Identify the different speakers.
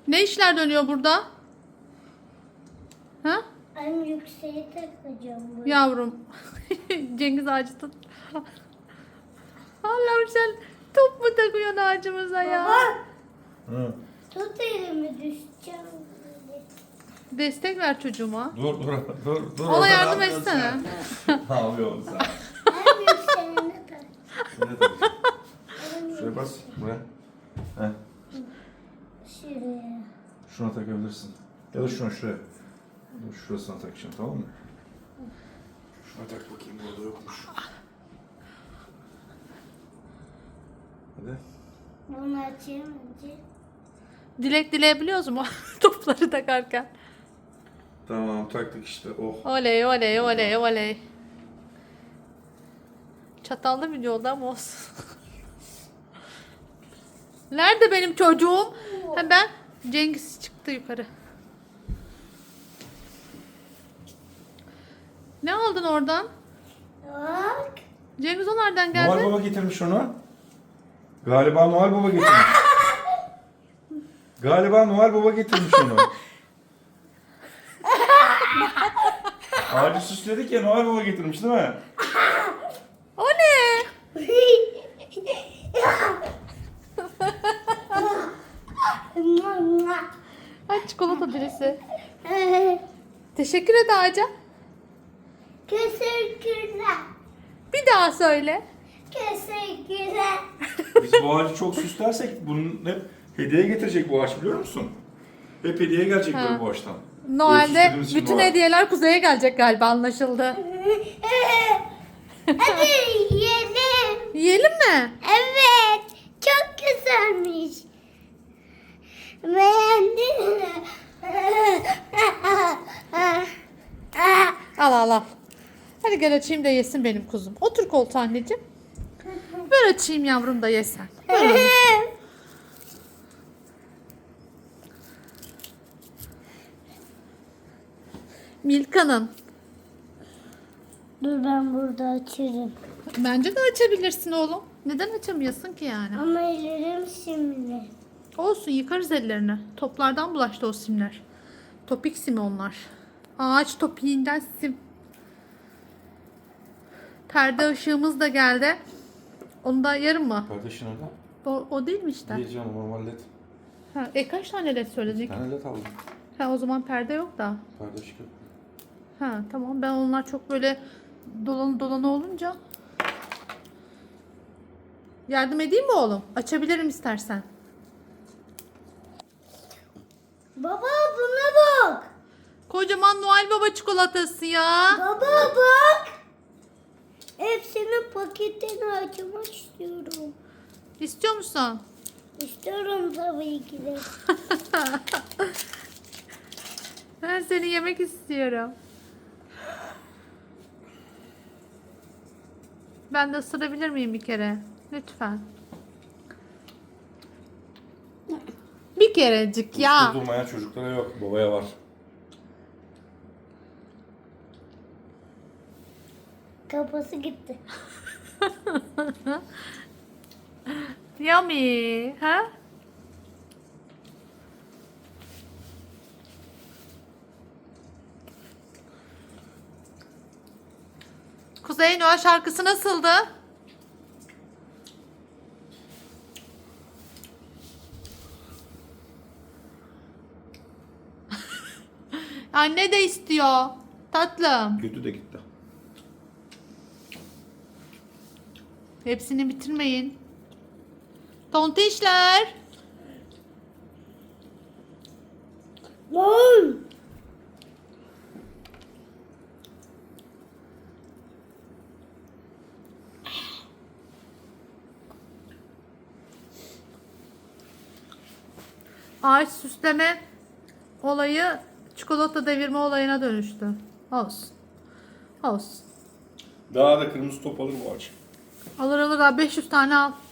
Speaker 1: Ne işler dönüyor burada? Ha?
Speaker 2: En yükseğe takacağım bunu.
Speaker 1: Yavrum. Cengiz ağacı tut. Allah'ım sen top mu takıyorsun ağacımıza ya?
Speaker 2: Baba
Speaker 3: Hı.
Speaker 2: tut elimi düşeceğim.
Speaker 1: Destek ver çocuğuma.
Speaker 3: Dur.
Speaker 1: Ona
Speaker 3: Orada
Speaker 1: yardım
Speaker 3: ne yapıyorsun
Speaker 1: etsene.
Speaker 3: sen? Ne yapıyorsun sen?
Speaker 2: En yükseğine tak.
Speaker 3: Şuraya tak.
Speaker 2: En
Speaker 3: Şuraya bas. Buraya. Heh.
Speaker 2: Şuraya.
Speaker 3: Şuna takabilirsin. Ya da şuraya. Dur, şurasına takacaksın, tamam mı? Şuna tak bakayım, burada yokmuş. Hadi.
Speaker 2: Bunu açayım önce.
Speaker 1: Dilek dileyebiliyoruz mu? Topları takarken.
Speaker 3: Tamam, taktık işte. Oh.
Speaker 1: Oley oley oley oley. Çatallı video oldu ama olsun. Nerede benim çocuğum? Ha ben Cengiz çıktı yukarı. Ne aldın oradan?
Speaker 2: Bak.
Speaker 1: Cengiz o nereden geldi?
Speaker 3: Noel Baba getirmiş onu. Galiba Noel Baba getirmiş. Galiba Noel Baba getirmiş onu. Ağacı süsledik ya, Noel Baba getirmiş değil mi?
Speaker 1: O ne? Ay çikolata birisi. Teşekkür et ağaca.
Speaker 2: Teşekkürler.
Speaker 1: Bir daha söyle.
Speaker 2: Teşekkürler.
Speaker 3: Biz bu ağacı çok süslersek bunun hep hediye getirecek bu ağaç, biliyor musun? Hep hediye gelecek böyle bu ağaçtan. Böyle
Speaker 1: Noel'de
Speaker 3: süslediğimiz için
Speaker 1: bütün
Speaker 3: Noel.
Speaker 1: hediyeler Kuzey'e gelecek galiba, anlaşıldı.
Speaker 2: Hadi yiyelim.
Speaker 1: Yiyelim mi?
Speaker 2: Evet. Çok güzelmiş. Beğendin mi?
Speaker 1: Al al al. Hadi gel açayım da yesin benim kuzum. Otur koltuğa anneciğim. Ver açayım yavrum da yesen. Ver onu. Milka'nın.
Speaker 2: Dur ben burada açarım.
Speaker 1: Bence de açabilirsin oğlum. Neden açamıyorsun ki yani?
Speaker 2: Ama ellerim şimdi.
Speaker 1: Olsun, yıkarız ellerini. Toplardan bulaştı o simler. Topik simi onlar. Ağaç topiğinden sim. Perde ışığımız da geldi. Onu da yarın mı?
Speaker 3: Kardeşin orada.
Speaker 1: O değil mi işte?
Speaker 3: Diyeceğim, normal led.
Speaker 1: Ha, kaç tane led söyledik?
Speaker 3: Bir tane led aldım.
Speaker 1: Ha, o zaman perde yok da.
Speaker 3: Perde ışık yok.
Speaker 1: Ha tamam, ben onlar çok böyle dolanı olunca. Yardım edeyim mi oğlum? Açabilirim istersen.
Speaker 2: Baba buna bak.
Speaker 1: Kocaman Noel Baba çikolatası ya.
Speaker 2: Baba bak. Hepsinin paketini açmak istiyorum.
Speaker 1: İstiyor musun?
Speaker 2: İstiyorum tabii ki de.
Speaker 1: Ben seni yemek istiyorum. Ben de ısırabilir miyim bir kere? Lütfen. Bir kerecik ya.
Speaker 3: Uslu durmayan çocuklara yok, babaya var.
Speaker 2: Kafası gitti.
Speaker 1: Yummy. Ha? Kuzey, Noel şarkısı nasıldı? Anne de istiyor. Tatlım.
Speaker 3: Götü de gitti.
Speaker 1: Hepsini bitirmeyin. Tontişler.
Speaker 2: Lan.
Speaker 1: Ağaç süsleme olayı çikolata devirme olayına dönüştü. Olsun. Olsun.
Speaker 3: Daha da kırmızı top alır bu ağaç.
Speaker 1: Alır alır, daha 500 tane al.